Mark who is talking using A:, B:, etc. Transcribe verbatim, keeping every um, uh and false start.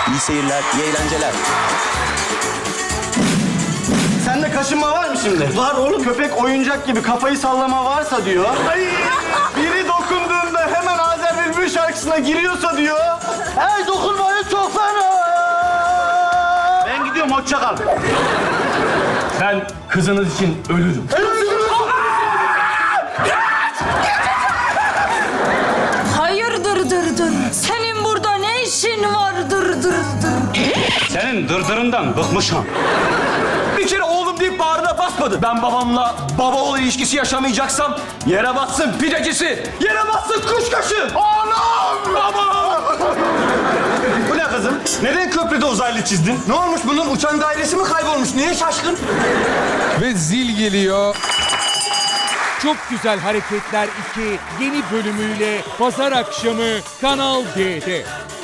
A: İyi seyirler, iyi eğlenceler.
B: Sende kaşınma var mı şimdi? Var oğlum. Köpek oyuncak gibi kafayı sallama varsa diyor. Ay, biri dokunduğunda hemen Azer Bülbül şarkısına giriyorsa diyor. Hey dokunmayın çok fena. Ben gidiyorum, hoşça kal.
C: Ben kızınız için ölürüm.
D: Hayırdır dır dır. Senin burada ne işin var dır dır dır.
C: Senin dırdırından bıkmışım. Bir kere oğlum deyip bağrına basmadı. Ben babamla baba oğul ilişkisi yaşamayacaksam yere bassın pidecisi, yere bassın kuşkaşı. Anam! Babam!
B: Bu ne kızım? Neden köprüde uzaylı çizdin? Ne olmuş bunun? Uçan dairesi mi kaybolmuş? Niye şaşkın?
E: Ve zil geliyor. Çok Güzel Hareketler iki yeni bölümüyle pazar akşamı Kanal D'de.